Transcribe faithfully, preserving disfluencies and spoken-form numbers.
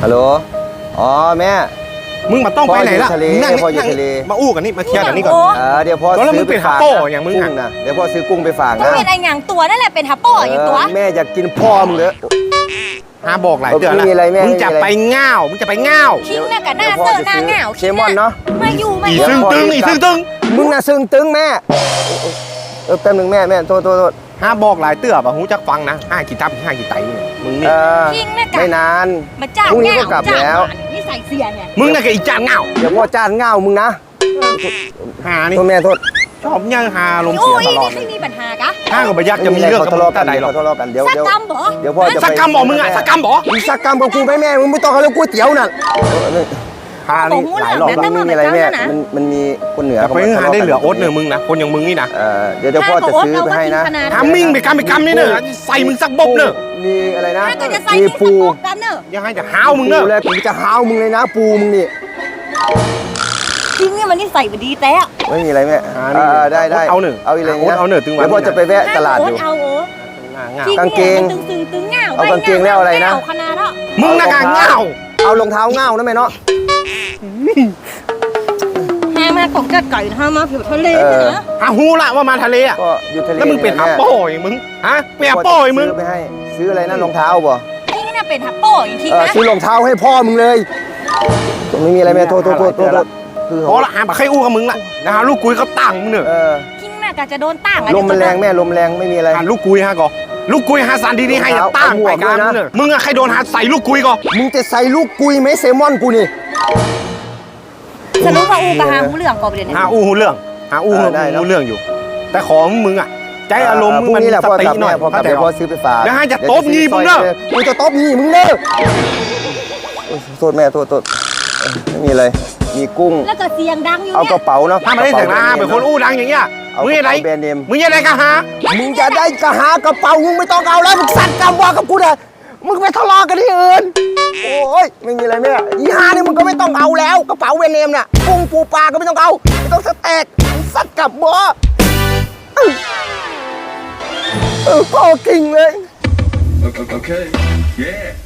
ฮัลโหลอ๋อแม่มึงมาต้องไปไหนล่ะพ่ออยู่ทะเลนั่งพ่ออยู่นั่งทะเลมาอู้กันนี่มาเคลียร์กันนี่ก่อนเออเดี๋ยวพ่อแล้วมึซื้งอเป็ไปนฝากฮัปโป้อย่างมึงกุ้อะงนะเดี๋ยวพ่อซื้อกุ้งไปฝากก็นะเป็นไอ้หยังตัวนั่นแหละเป็นฮัปโป้อย่างตัวเออแม่อยากกินพ่อมึงเลยฮาบอกหลายเดือนไม่แล้วมีอะไรแม่มึงจะไม่มีอะไรไปง่าวมึงจะไปง่าวคิงน่ะกับหน้าเซอร์หน้าเหงาเชมอนเนาะมาอยู่มาอีอยู่ซึ่งตึงอีซึ่งตึงมึงน่ะซึ่งตึงแม่เออแป๊บหนึงแม่แม่โทษโทษโทษฮาบอกหลายเตือบอะหูจักฟังนะห้ากี่ทับห้ากี่ไตเนี่ยมึงเอนี่อคิงน่ะกับไม่นานมาจ้างพรุ่งนี้เหก็งากลับจ้างแล้วหมานี่ใส่เสียเนี่ยมึงน่ะกับอีจานง่าวเดี๋ยวพ่อจ้านเง่ามึงนะหานี่โทษแม่โทษชอบย่างฮาลมโอ้เสียยตลอดนี่เลไม่ยมีปัญหากะห้ากับไปยักจะมีเรื่องกับทะมึเลาะงกัแต่นใดหรอกทะเลาะกันเดี๋ยวสักเดี๋ยวกรรมเหรอเดี๋ยวพ่อจะสักกรรมบอกมึงอะสักกรรมบอกมึงสักกรรมกับกูไหมแม่มึงไม่ต้องเอาเรื่องก๋วยเตี๋ยวน่ะฮานี่หลายรอบมันไม่มีอะไรแม่มันมันมีคนเหนือแต่ไปหาได้เหลือโอ๊ตเนอะมึงนะคนอย่างมึงนี่นะเออเดี๋ยวเดี๋ยวพ่อจะซื้อไปให้นะทำมิ่งไปกรรมไปกรรมนี่เนอะใส่มึงสักบบเนอะมีอะไรนะถ้าก็จะใส่มีนี่ปูสกกันเนอะยังไงจะห้าวมึงเนอะปูแล้วผมจะห้าวมึงเลยนะ ปูมึงนี่คิงเนี่ยมันนี่ใส่ไปดีแต่ไม่มีอะไรแม่หาเอนี่อได้ได้เอาหนึ่งเอาอีกเลยโอ๊ตเอาหนึ่งถึงวันเดี๋ยวพ่อจะไปแวะตลาดอยู่เอาโอ้ง่าวคิงกางเกเนี่ยงมันตึงตึงตึงเหงาเอากางเกงแล้วอะไรนะเหงาขนาดอ่ะมึงน่ะกางง่าวเอารองเท้าเง่านะแม่เนาะแห้มาของกัดไก่นะฮะมาผิวทะเลเออนะหาฮูละว่ามาทะเลอะก็อยู่ทะเลแล้วมึงเป็นยหาแม่โป้อย่างมึงฮะเป็นหาพ่อโป้อย่างมึงซื้อไปให้ซื้ออะไรนะรองเท้าบ่คิงเนี่ยเป็นฮัปโป้อย่างคิงเออนะซื้อรองเท้าให้พ่อมึงเลยไม่มีอะไรแม่โทษโทษโทษโทษโทษคือพอละหาบักไข่อู้กับมึงละนะฮะลูกกุยเขาตั้งมึงเนอะเออคิงน่ะก็จะโดนตั้งลมมันแรงแม่ลมแรงไม่มีอะไรหาลูกกุยฮะก่อลูกกุยหาสันดีนี่ให้จะตั้งไปกลางมึงเนอะมึงอะใครโดนหาใส่ลูกกุยก่อมึงจะใส่ลูกกุยไหมเซลมอนกูนี่สรุปว่าอูกับหางหูเหลืองก่อนไปเลยเนี่ยหาอู้หูเรื่องหาอู้หูได้แล้วหูเรื่องอยู่ แต่ของมึงอะใจอารมณ์มึงพรุ่มันนี้แหละสพ่อติกลับหน่แม่อยพ่อกลับเข้าใจเดี๋ยวพ่อปะซื้อไปฝากแล้วให้จะเดี๋ยวตบงี้มึงเนอะกูจะตบงี้มึงเนอะโอ้ยโทษแม่โทษโทษเออไม่มีอะไรมีกุ้งแล้วก็เสียงดังอยู่เอากเนี่ยระเป๋าเนาะถ้าไม่ได้เสียงนะเป็นคนอู้ดังอย่างเงี้ยเอามึงกยัระงไงเป๋าแบรนด์เนมมึงยังไงกันฮะมึงจะได้กระหากระเป๋ามึงไม่ต้องเอาแล้วมึงสั่นกำว่ากับกูเลยมึงไปทะเลาะกันที่อื่นโอ้ยไม่มีอะไรแม่อีหานี่มึงก็ไม่ต้องเอาแล้วกระเป๋าแบรนด์เนมน่ะกุ้งปูปลาก็ไม่ต้องเอาไม่ต้องสเต็กมึงสั่นกลับบ่เออเออพ่อกิ่งเลย Okay. Okay. Yeah.